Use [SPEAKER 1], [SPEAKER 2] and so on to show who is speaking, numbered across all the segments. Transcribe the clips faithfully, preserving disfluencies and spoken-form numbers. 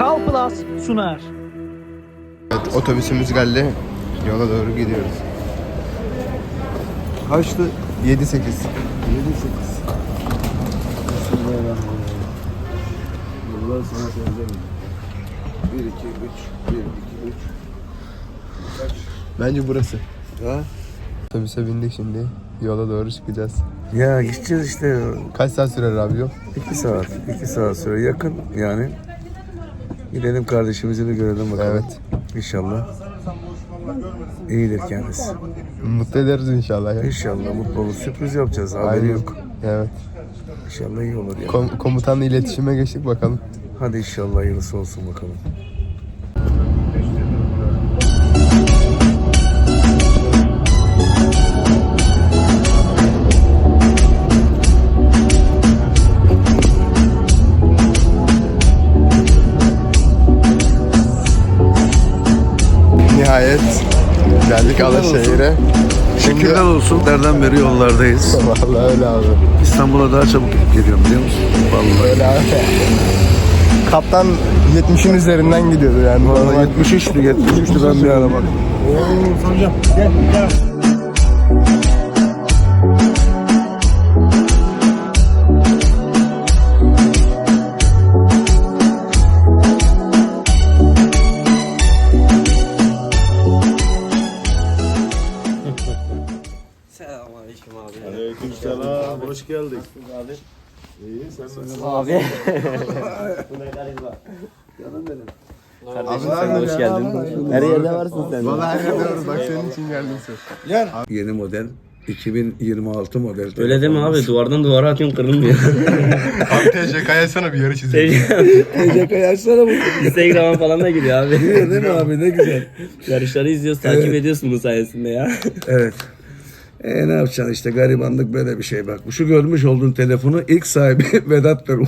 [SPEAKER 1] Kal Plus sunar.
[SPEAKER 2] Evet, otobüsümüz geldi. Yola doğru gidiyoruz.
[SPEAKER 3] Kaçtı?
[SPEAKER 2] yedi sekiz.
[SPEAKER 3] yedi sekiz. Bismillahirrahmanirrahim. Yıllar sana söyleyeceğim. bir iki üç bir iki üç. Kaç?
[SPEAKER 2] Bence burası.
[SPEAKER 3] Ha?
[SPEAKER 2] Otobüse bindik şimdi. Yola doğru çıkacağız.
[SPEAKER 3] Ya gideceğiz işte.
[SPEAKER 2] Kaç saat sürer abi yol?
[SPEAKER 3] iki saat. iki saat süre yakın yani. Gidelim kardeşimizi bir görelim bakalım.
[SPEAKER 2] Evet.
[SPEAKER 3] İnşallah. İyidir kendisi.
[SPEAKER 2] Mutlu ederiz inşallah. Ya.
[SPEAKER 3] İnşallah mutlu olur. Sürpriz yapacağız. Haberi
[SPEAKER 2] Aynen.
[SPEAKER 3] yok.
[SPEAKER 2] Evet.
[SPEAKER 3] İnşallah iyi olur ya.
[SPEAKER 2] Kom- komutanla iletişime geçtik bakalım.
[SPEAKER 3] Hadi inşallah hayırlısı olsun bakalım.
[SPEAKER 2] Nihayet geldik Alaşehir'e.
[SPEAKER 3] Şükürler olsun. Nereden beri yollardayız.
[SPEAKER 2] Vallahi öyle abi.
[SPEAKER 3] İstanbul'a daha çabuk gidip geliyorum biliyor musun? Vallahi.
[SPEAKER 2] Öyle abi. Kaptan yetmişin üzerinden gidiyordu yani.
[SPEAKER 3] Vallahi yetmiş üçtü, yetmiş üçtü ben bir ara bak.
[SPEAKER 1] Oo Sancam gel gel.
[SPEAKER 4] Selamünaleyküm abi.
[SPEAKER 5] Aleykümselam, hoş geldik. Abi. İyi, sen nasılsın?
[SPEAKER 4] Abi. Bu ne karizma.
[SPEAKER 3] Canım benim.
[SPEAKER 4] Kardeşim sen hoş geldin. Her yerde varsın sen.
[SPEAKER 2] Vallahi her yerde varız. Bak senin için geldim sen.
[SPEAKER 3] Yeni model. iki bin yirmi altı model.
[SPEAKER 4] Öyle deme abi, duvardan duvara atıyorsun kırılmıyor.
[SPEAKER 2] Abi T C K'ya sana bir yarı çizelim.
[SPEAKER 3] Eceka'yı açsana bu.
[SPEAKER 4] Instagram'a falan da giriyor abi.
[SPEAKER 3] Değil mi abi ne güzel.
[SPEAKER 4] Yarışları izliyoruz, takip ediyorsun bunun sayesinde ya.
[SPEAKER 3] Evet. E ne yapacaksın işte garibanlık böyle bir şey bak. Şu görmüş olduğun telefonu ilk sahibi Vedat Bey.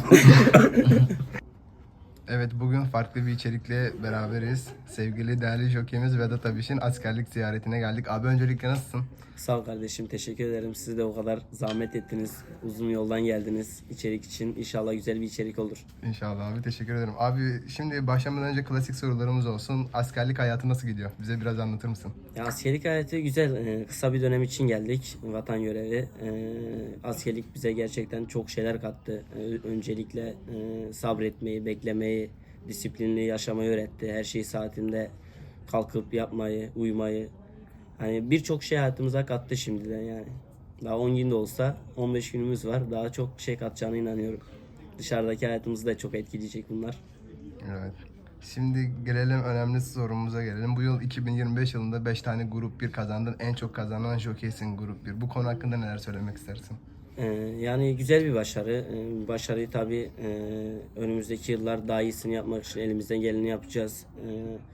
[SPEAKER 2] Evet, bugün farklı bir içerikle beraberiz. Sevgili değerli jokeyimiz Vedat Abiş'in askerlik ziyaretine geldik. Abi öncelikle nasılsın?
[SPEAKER 4] Sağ ol kardeşim, teşekkür ederim. Siz de o kadar zahmet ettiniz. Uzun yoldan geldiniz içerik için. İnşallah güzel bir içerik olur.
[SPEAKER 2] İnşallah abi, teşekkür ederim. Abi şimdi başlamadan önce klasik sorularımız olsun. Askerlik hayatı nasıl gidiyor? Bize biraz anlatır mısın?
[SPEAKER 4] Ya askerlik hayatı güzel. Ee, kısa bir dönem için geldik. Vatan görevi. Ee, askerlik bize gerçekten çok şeyler kattı. Ee, öncelikle e, sabretmeyi, beklemeyi, disiplinli yaşamayı öğretti. Her şeyi saatinde kalkıp yapmayı, uyumayı. Hani birçok şey hayatımıza kattı şimdiden yani. Daha on gün de olsa on beş günümüz var. Daha çok şey katacağına inanıyorum. Dışarıdaki hayatımızı da çok etkileyecek bunlar.
[SPEAKER 2] Evet. Şimdi gelelim önemli sorumuza gelelim. Bu yıl iki bin yirmi beş yılında beş tane grup bir kazandın. En çok kazanan jokeysin grup bir. Bu konu hakkında neler söylemek istersin?
[SPEAKER 4] Ee, yani güzel bir başarı. Ee, başarıyı tabii e, önümüzdeki yıllar daha iyisini yapmak için elimizden geleni yapacağız. Ee,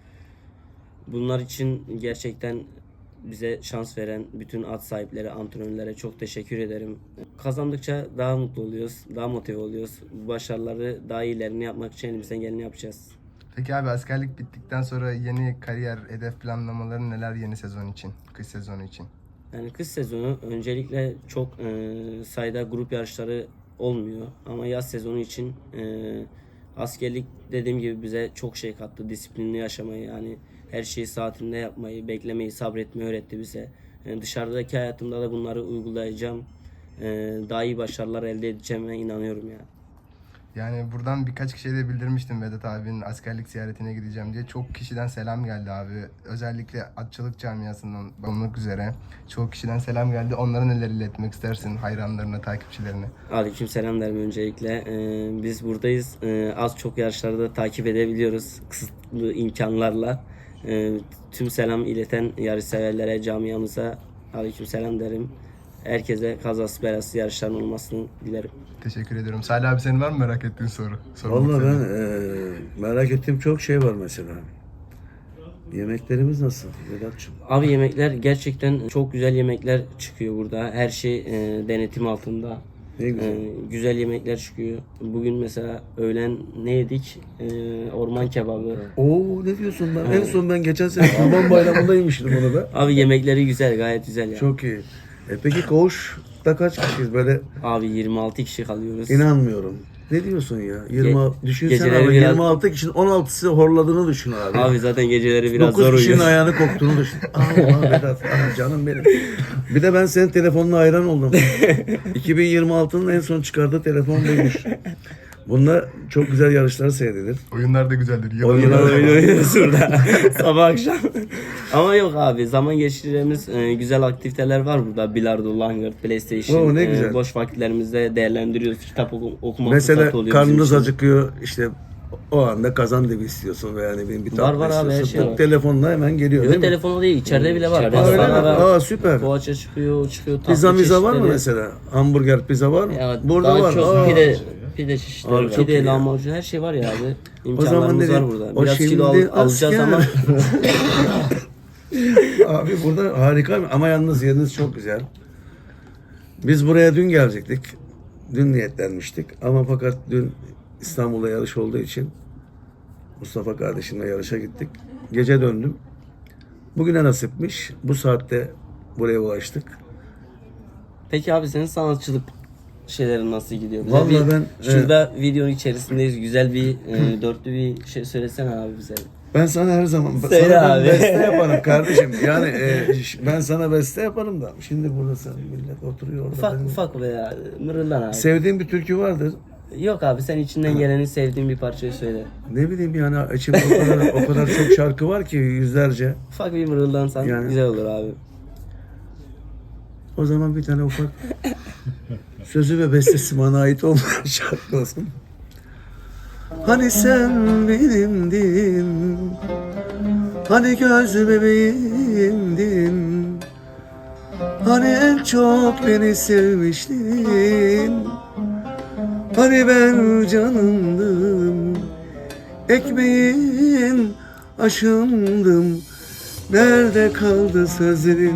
[SPEAKER 4] bunlar için gerçekten bize şans veren bütün at sahipleri, antrenörlere çok teşekkür ederim. Kazandıkça daha mutlu oluyoruz, daha motive oluyoruz. Bu başarıları daha iyilerini yapmak için elimizden geleni yapacağız.
[SPEAKER 2] Peki abi, askerlik bittikten sonra yeni kariyer, hedef planlamaları neler yeni sezon için, kış sezonu için?
[SPEAKER 4] Yani kış sezonu öncelikle çok e, sayıda grup yarışları olmuyor. Ama yaz sezonu için e, askerlik dediğim gibi bize çok şey kattı. Disiplinli yaşamayı, yani her şeyi saatinde yapmayı, beklemeyi, sabretmeyi öğretti bize. Yani dışarıdaki hayatımda da bunları uygulayacağım. E, daha iyi başarılar elde edeceğime inanıyorum ya.
[SPEAKER 2] Yani buradan birkaç kişiye de bildirmiştim Vedat abinin askerlik ziyaretine gideceğim diye. Çok kişiden selam geldi abi. Özellikle atçılık camiasından olmak üzere çok kişiden selam geldi. Onlara neler iletmek istersin hayranlarına, takipçilerine?
[SPEAKER 4] Aleyküm selam derim öncelikle. Ee, biz buradayız. Ee, az çok yarışları da takip edebiliyoruz kısıtlı imkanlarla. Ee, tüm selam ileten yarışseverlere, camiamıza aleyküm selam derim. Herkese kazası belası yarışların olmasını dilerim.
[SPEAKER 2] Teşekkür ediyorum. Salih abi, senin var mı merak ettiğin soru? Sormak
[SPEAKER 3] Vallahi ben
[SPEAKER 2] istediğin.
[SPEAKER 3] e, merak ettiğim çok şey var mesela. Yemeklerimiz nasıl Vedat'cığım?
[SPEAKER 4] Abi yemekler gerçekten çok güzel yemekler çıkıyor burada. Her şey e, denetim altında.
[SPEAKER 3] Ne güzel.
[SPEAKER 4] E, güzel yemekler çıkıyor. Bugün mesela öğlen ne yedik? E, orman kebabı.
[SPEAKER 3] Oo ne diyorsun lan? En son ben geçen sene Kurban Bayramı'nda yemiştim onu da.
[SPEAKER 4] Abi yemekleri güzel, gayet güzel ya.
[SPEAKER 3] Çok iyi. E peki koğuşta kaç kişiyiz böyle?
[SPEAKER 4] Abi yirmi altı kişi kalıyoruz.
[SPEAKER 3] İnanmıyorum. Ne diyorsun ya? yirmi altı, düşünsene
[SPEAKER 4] geceleri
[SPEAKER 3] abi,
[SPEAKER 4] biraz-
[SPEAKER 3] yirmi altı kişinin on altısı horladığını düşün abi.
[SPEAKER 4] Abi zaten geceleri biraz zor
[SPEAKER 3] dokuz kişinin
[SPEAKER 4] uyuyoruz.
[SPEAKER 3] ayağını koktuğunu düşün. Allah Vedat, ah canım benim. Bir de ben senin telefonuna hayran oldum. iki bin yirmi altının en son çıkardığı telefon buymuş. Bunda çok güzel yarışlar seyredilir.
[SPEAKER 2] Oyunlar da güzeldir.
[SPEAKER 3] Oyunlar
[SPEAKER 4] Oyun oynuyoruz burada sabah akşam. Ama yok abi, zaman geçireceğimiz e, güzel aktiviteler var burada. Bilardo, langırt, PlayStation.
[SPEAKER 3] Oo, ne
[SPEAKER 4] e,
[SPEAKER 3] güzel.
[SPEAKER 4] boş vakitlerimizde değerlendiriyoruz. Kitap oku, okuma
[SPEAKER 3] Mesela
[SPEAKER 4] fırsatı oluyor bizim
[SPEAKER 3] karnınız
[SPEAKER 4] için.
[SPEAKER 3] acıkıyor, işte o anda kazan dibi istiyorsun veya ne bileyim bir
[SPEAKER 4] Var,
[SPEAKER 3] tatlı
[SPEAKER 4] var abi, her
[SPEAKER 3] istiyorsun.
[SPEAKER 4] şey var.
[SPEAKER 3] Telefonla hemen geliyor
[SPEAKER 4] Yok,
[SPEAKER 3] değil mi?
[SPEAKER 4] telefonu değil, içeride bile var.
[SPEAKER 3] Aa, öyle mi? Aa, süper.
[SPEAKER 4] Poğaça çıkıyor, çıkıyor. tatlı
[SPEAKER 3] Pizza miza var mı
[SPEAKER 4] çeşitleri.
[SPEAKER 3] mesela? Hamburger pizza var mı?
[SPEAKER 4] Ya,
[SPEAKER 3] Burada
[SPEAKER 4] daha
[SPEAKER 3] var.
[SPEAKER 4] çok
[SPEAKER 3] Aa.
[SPEAKER 4] pide, pide çeşitleri
[SPEAKER 3] Abi
[SPEAKER 4] var.
[SPEAKER 3] çok iyi
[SPEAKER 4] Pide,
[SPEAKER 3] ya.
[SPEAKER 4] lahmacun, her şey var ya abi.
[SPEAKER 3] O zaman
[SPEAKER 4] İmkanlarımız
[SPEAKER 3] dedim,
[SPEAKER 4] var burada.
[SPEAKER 3] o
[SPEAKER 4] Biraz
[SPEAKER 3] şimdi
[SPEAKER 4] kilo al- alacağız
[SPEAKER 3] asker.
[SPEAKER 4] ama
[SPEAKER 3] Abi burada harika ama yalnız yeriniz çok güzel. Biz buraya dün gelecektik. Dün niyetlenmiştik ama fakat dün İstanbul'da yarış olduğu için Mustafa kardeşimle yarışa gittik. Gece döndüm. Bugüne nasipmiş. Bu saatte buraya ulaştık.
[SPEAKER 4] Peki abi, senin sanatçılık şeylerin nasıl gidiyor? Bize
[SPEAKER 3] Vallahi
[SPEAKER 4] bir-
[SPEAKER 3] ben,
[SPEAKER 4] şurada videonun içerisindeyiz. Güzel bir e, dörtlü bir şey söylesene abi bize.
[SPEAKER 3] Ben sana her zaman
[SPEAKER 4] Söyle
[SPEAKER 3] sana ben
[SPEAKER 4] abi.
[SPEAKER 3] beste yaparım kardeşim. Yani e, ş- ben sana beste yaparım da. Şimdi burada sen millet oturuyor orada.
[SPEAKER 4] Ufak
[SPEAKER 3] benim-
[SPEAKER 4] ufak veya mırıldan abi.
[SPEAKER 3] Sevdiğin bir türkü vardır.
[SPEAKER 4] Yok abi, sen içinden geleni, sevdiğin bir parçayı söyle.
[SPEAKER 3] Ne bileyim yani içimde o kadar, o kadar çok şarkı var ki yüzlerce.
[SPEAKER 4] Ufak bir mırıldansan
[SPEAKER 3] Yani-
[SPEAKER 4] güzel olur abi.
[SPEAKER 3] O zaman bir tane ufak sözü ve bestesi bana ait olmayan şarkı olsun. Hani sen benimdin, hani göz bebeğimdin, hani en çok beni sevmiştin, hani ben canımdım, ekmeğin aşımdım, nerede kaldı sözlerin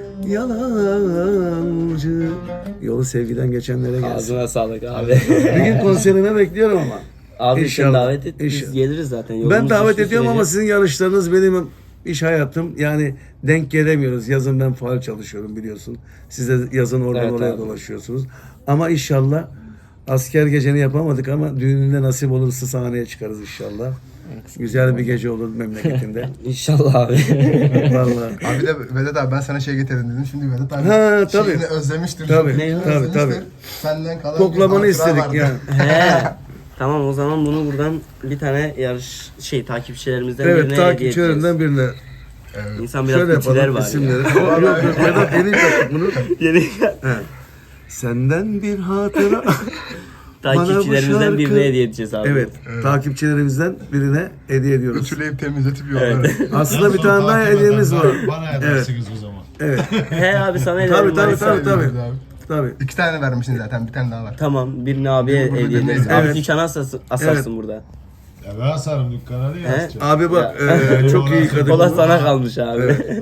[SPEAKER 3] yalancı. Yolu sevgiden geçenlere gelsin.
[SPEAKER 4] Ağzına sağlık abi.
[SPEAKER 3] Bir gün konserine bekliyorum ama.
[SPEAKER 4] Abi sen
[SPEAKER 3] İnşallah,
[SPEAKER 4] davet et, biz
[SPEAKER 3] inşallah.
[SPEAKER 4] geliriz zaten.
[SPEAKER 3] Ben
[SPEAKER 4] Yolumuz
[SPEAKER 3] davet
[SPEAKER 4] düştüğü
[SPEAKER 3] ediyorum ama
[SPEAKER 4] sürece.
[SPEAKER 3] sizin yarışlarınız benim iş hayatım. Yani denk gelemiyoruz. Yazın ben faal çalışıyorum biliyorsun. Siz de yazın oradan
[SPEAKER 4] Evet
[SPEAKER 3] oraya
[SPEAKER 4] abi.
[SPEAKER 3] dolaşıyorsunuz. Ama inşallah asker geceni yapamadık ama düğününde nasip olursa sahneye çıkarız inşallah. Güzel bir gece olur memleketinde.
[SPEAKER 4] İnşallah abi.
[SPEAKER 3] Vallahi.
[SPEAKER 2] Abi de Vedat abi ben sana şey getirdim dedim. Şimdi Vedat abi
[SPEAKER 3] Ha, tabii.
[SPEAKER 2] şeyini özlemiştir.
[SPEAKER 3] Tabii,
[SPEAKER 2] Şeyini
[SPEAKER 3] tabii,
[SPEAKER 2] özlemiştir.
[SPEAKER 3] tabii.
[SPEAKER 2] Senden kalan
[SPEAKER 3] Koklamanı
[SPEAKER 2] bir hatıra
[SPEAKER 3] istedik
[SPEAKER 2] vardı.
[SPEAKER 3] yani.
[SPEAKER 4] He. Tamam, o zaman bunu buradan bir tane yarış şey takipçilerimizden
[SPEAKER 3] Evet,
[SPEAKER 4] birine hediye edeceğiz.
[SPEAKER 3] takipçilerimden birine.
[SPEAKER 4] İnsan biraz
[SPEAKER 3] Şöyle
[SPEAKER 4] kutiler
[SPEAKER 3] yapalım
[SPEAKER 4] var
[SPEAKER 3] isimleri.
[SPEAKER 4] ya.
[SPEAKER 3] yok yok Vedat yeni taktık bunu.
[SPEAKER 4] Yeni
[SPEAKER 3] He. Senden bir hatıra.
[SPEAKER 4] takipçilerimizden
[SPEAKER 3] şarkı-
[SPEAKER 4] birine hediye edeceğiz abi.
[SPEAKER 3] Evet, takipçilerimizden birine hediye ediyoruz.
[SPEAKER 2] Ütüleyip temizletip yolları.
[SPEAKER 3] Aslında bir tane daha hediyemiz var.
[SPEAKER 5] Bana edersiniz o zaman.
[SPEAKER 3] Evet.
[SPEAKER 4] He abi, sana
[SPEAKER 3] Tabii
[SPEAKER 4] ederim.
[SPEAKER 3] tabii
[SPEAKER 4] ben
[SPEAKER 3] tabii
[SPEAKER 4] sana-
[SPEAKER 3] tabii.
[SPEAKER 2] Abi.
[SPEAKER 3] Tabii.
[SPEAKER 2] İki tane vermişsin zaten. Bir tane daha var.
[SPEAKER 4] Tamam, birini abiye
[SPEAKER 2] Birini burada
[SPEAKER 4] hediye ederiz.
[SPEAKER 2] dinleyelim.
[SPEAKER 4] Abi
[SPEAKER 3] Evet.
[SPEAKER 4] dükkana asarsın, asarsın
[SPEAKER 3] Evet.
[SPEAKER 4] burada.
[SPEAKER 5] Ya ben asarım dükkana diye
[SPEAKER 4] He?
[SPEAKER 5] asacağım.
[SPEAKER 3] Abi bak eee, çok iyi kadın.
[SPEAKER 4] Kola
[SPEAKER 3] bu.
[SPEAKER 4] sana kalmış abi.
[SPEAKER 3] Evet.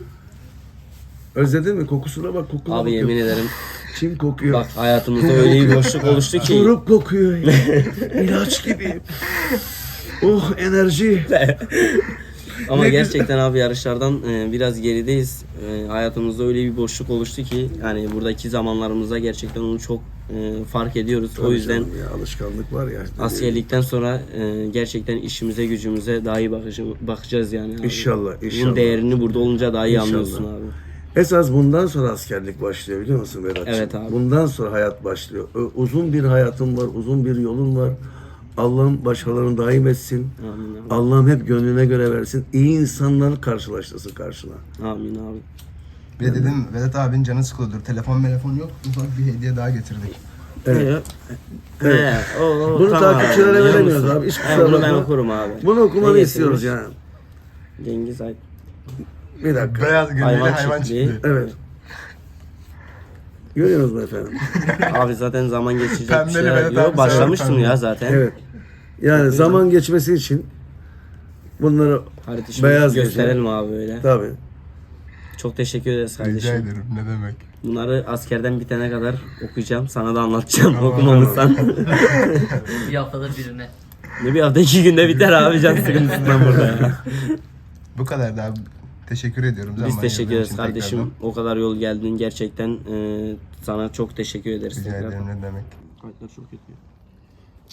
[SPEAKER 3] Özledin mi? Kokusuna bak, kokuna
[SPEAKER 4] Abi
[SPEAKER 3] bakıyor.
[SPEAKER 4] yemin ederim.
[SPEAKER 3] Çim kokuyor.
[SPEAKER 4] Bak, hayatımızda öyle bir boşluk oluştu ki.
[SPEAKER 3] Çoruk kokuyor. İlaç gibi. Oh, enerji.
[SPEAKER 4] Ama
[SPEAKER 3] Ne
[SPEAKER 4] gerçekten abi yarışlardan e, biraz gerideyiz. E, hayatımızda öyle bir boşluk oluştu ki yani buradaki zamanlarımızda gerçekten onu çok e, fark ediyoruz. O yüzden
[SPEAKER 3] Canım ya, alışkanlık var ya.
[SPEAKER 4] askerlikten sonra e, gerçekten işimize gücümüze daha iyi bakıcı- bakacağız yani. Abi.
[SPEAKER 3] İnşallah,
[SPEAKER 4] Bunun
[SPEAKER 3] inşallah.
[SPEAKER 4] değerini burada olunca daha iyi
[SPEAKER 3] İnşallah.
[SPEAKER 4] anlıyorsun abi.
[SPEAKER 3] Esas bundan sonra askerlik başlıyor biliyor musun Vedat'cığım?
[SPEAKER 4] Evet abi.
[SPEAKER 3] Bundan sonra hayat başlıyor. Ö- Uzun bir hayatın var, uzun bir yolun var. Allah'ım başkalarını daim etsin.
[SPEAKER 4] Amin abi.
[SPEAKER 3] Allah'ım hep gönlüne göre versin. İyi insanlar karşılaştırsın karşına.
[SPEAKER 4] Amin abi.
[SPEAKER 2] Bir de dedim Vedat abinin canı sıkılıyordur. Telefon telefon yok. Ufak bir hediye daha getirdik.
[SPEAKER 3] Evet.
[SPEAKER 4] Evet. He, o, o,
[SPEAKER 3] Bunu
[SPEAKER 4] tamam
[SPEAKER 3] takipçilere
[SPEAKER 4] abi, biliyor
[SPEAKER 3] veremiyoruz
[SPEAKER 4] musun?
[SPEAKER 3] abi, hiç
[SPEAKER 4] He,
[SPEAKER 3] kusura
[SPEAKER 4] bunu ben
[SPEAKER 3] bakma.
[SPEAKER 4] okurum abi.
[SPEAKER 3] Bunu okumanı
[SPEAKER 4] Ne
[SPEAKER 3] istiyoruz
[SPEAKER 4] getirmiş?
[SPEAKER 3] yani.
[SPEAKER 4] Cengiz Ay.
[SPEAKER 3] Bir dakika.
[SPEAKER 2] Beyaz gönüllü
[SPEAKER 4] Hayvan
[SPEAKER 2] hayvan,
[SPEAKER 4] çiftliği.
[SPEAKER 2] çiftliği.
[SPEAKER 3] Evet. Görüyorsunuz mu efendim?
[SPEAKER 4] Abi zaten zaman geçecek bir
[SPEAKER 2] Pembeli
[SPEAKER 4] şey.
[SPEAKER 2] Vedat
[SPEAKER 4] Yok,
[SPEAKER 2] abi
[SPEAKER 4] başlamıştım
[SPEAKER 2] sever
[SPEAKER 4] ya
[SPEAKER 2] pembe.
[SPEAKER 4] zaten.
[SPEAKER 3] Evet. Yani zaman geçmesi için bunları
[SPEAKER 4] Harita şimdi
[SPEAKER 3] beyaz
[SPEAKER 4] gösterelim
[SPEAKER 3] geçelim.
[SPEAKER 4] abi öyle.
[SPEAKER 3] Tabii.
[SPEAKER 4] Çok teşekkür ederiz
[SPEAKER 2] Rica
[SPEAKER 4] kardeşim.
[SPEAKER 2] ederim. Ne demek.
[SPEAKER 4] Bunları askerden bitene kadar okuyacağım. Sana da anlatacağım okumamızdan.
[SPEAKER 6] Bir haftada birine.
[SPEAKER 4] Ne bir hafta iki günde biter abi, can sıkıntısından burada ya.
[SPEAKER 2] Bu kadar da abi. Teşekkür ediyorum.
[SPEAKER 4] Biz
[SPEAKER 2] zaman
[SPEAKER 4] teşekkür
[SPEAKER 2] ayırdığın
[SPEAKER 4] ederiz
[SPEAKER 2] için
[SPEAKER 4] kardeşim.
[SPEAKER 2] tekrardan.
[SPEAKER 4] O kadar yol geldin gerçekten. e, sana çok teşekkür ederiz.
[SPEAKER 2] Rica
[SPEAKER 4] tekrar.
[SPEAKER 2] ederim ne demek.
[SPEAKER 4] Kayıtlar çok kötü.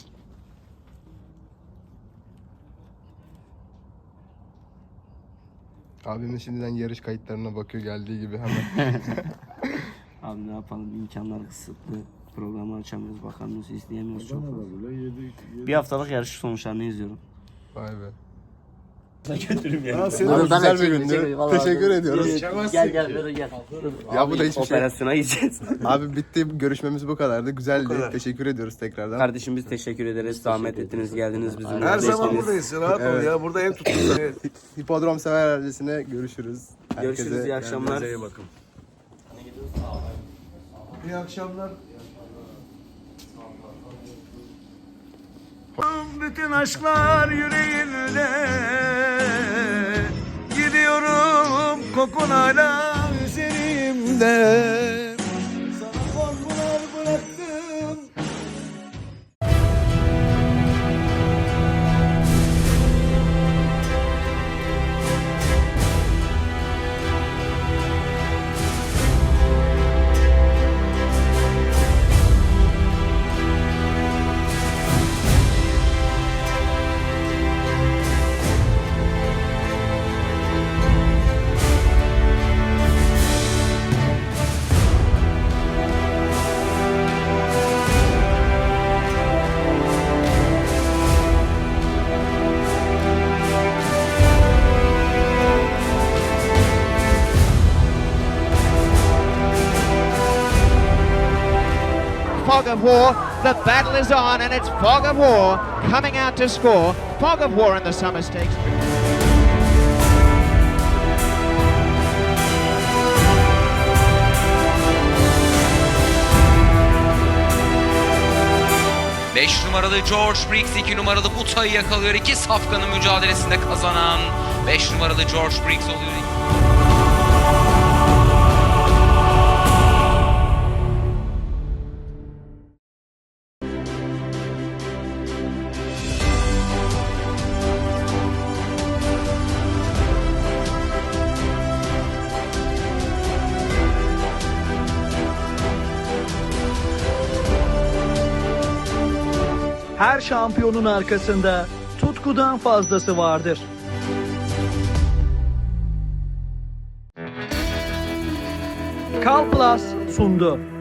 [SPEAKER 2] Abimin şimdiden yarış kayıtlarına bakıyor geldiği gibi hemen.
[SPEAKER 4] Abi ne yapalım, imkanlar kısıtlı. Programı açamıyoruz, bakamıyoruz, izleyemiyoruz çok fazla. Bir haftalık yarış sonuçlarını izliyorum.
[SPEAKER 2] Vay be.
[SPEAKER 5] Ha, senin
[SPEAKER 2] Abi
[SPEAKER 4] Abi ben
[SPEAKER 2] güzel
[SPEAKER 4] de
[SPEAKER 2] bir
[SPEAKER 4] çek-
[SPEAKER 2] gündü.
[SPEAKER 4] çek- vallahi
[SPEAKER 2] Teşekkür
[SPEAKER 4] abi.
[SPEAKER 2] ediyoruz.
[SPEAKER 4] Gel gel böyle gel.
[SPEAKER 2] Ya bu da hiçbir şey.
[SPEAKER 4] Operasyona gideceğiz.
[SPEAKER 2] Abi bitti. Görüşmemiz bu kadardı. Güzeldi. Teşekkür ediyoruz tekrardan.
[SPEAKER 4] Kardeşim biz teşekkür ederiz. Zahmet ettiniz, geldiniz bizimle.
[SPEAKER 3] Her zaman
[SPEAKER 4] beştiniz.
[SPEAKER 3] buradayız. Rahat ol ya. Burada ev tuttuk.
[SPEAKER 2] Hipodrom sever ailesine görüşürüz.
[SPEAKER 4] Görüşürüz, iyi akşamlar.
[SPEAKER 3] Kendinize iyi bakın. İyi akşamlar. Bütün aşklar yüreğimde, gidiyorum kokun hala üzerimde. Sana korkular bıraktım.
[SPEAKER 7] Fog of War. The battle is on, and it's Fog of War coming out to score. Fog of War in the Summer Stakes.
[SPEAKER 8] beş numaralı George Briggs iki numaralı Buta'yı yakalıyor. İki safkanın mücadelesinde kazanan beş numaralı George Briggs oluyor.
[SPEAKER 1] Her şampiyonun arkasında tutkudan fazlası vardır. Kal Plus sundu.